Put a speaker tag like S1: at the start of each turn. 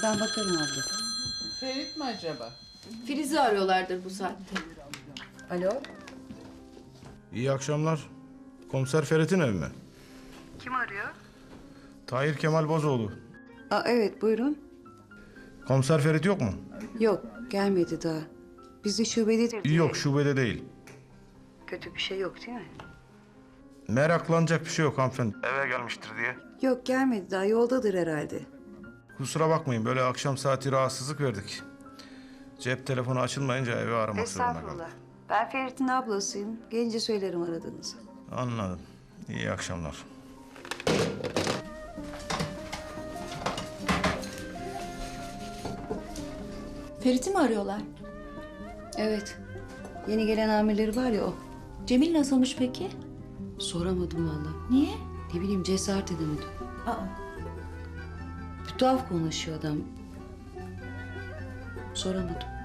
S1: Ben bakarım abla.
S2: Ferit mi acaba?
S3: Filiz'i arıyorlardır bu saatte.
S1: Alo?
S4: İyi akşamlar. Komiser Ferit'in evi mi?
S1: Kim arıyor?
S4: Tahir Kemal Bozoğlu.
S1: Aa, evet buyurun.
S4: Komiser Ferit yok mu?
S1: Yok gelmedi daha. Biz de şubededir diye.
S4: Yok, şubede değil.
S1: Kötü bir şey yok değil mi?
S4: Meraklanacak bir şey yok hanımefendi. Eve gelmiştir diye.
S1: Yok gelmedi daha, yoldadır herhalde.
S4: Kusura bakmayın, böyle akşam saati rahatsızlık verdik. Cep telefonu açılmayınca evi aramak zorunda kaldım.
S1: Ben Ferit'in ablasıyım. Gelince söylerim aradığınızı.
S4: Anladım. İyi akşamlar.
S3: Ferit'i mi arıyorlar?
S1: Evet. Yeni gelen amirleri var ya o.
S3: Cemil nasılmış peki?
S1: Soramadım vallahi.
S3: Niye?
S1: Ne bileyim, cesaret edemedim.
S3: Aa,
S1: Bir tuhaf konuşuyor adam. Soramadım.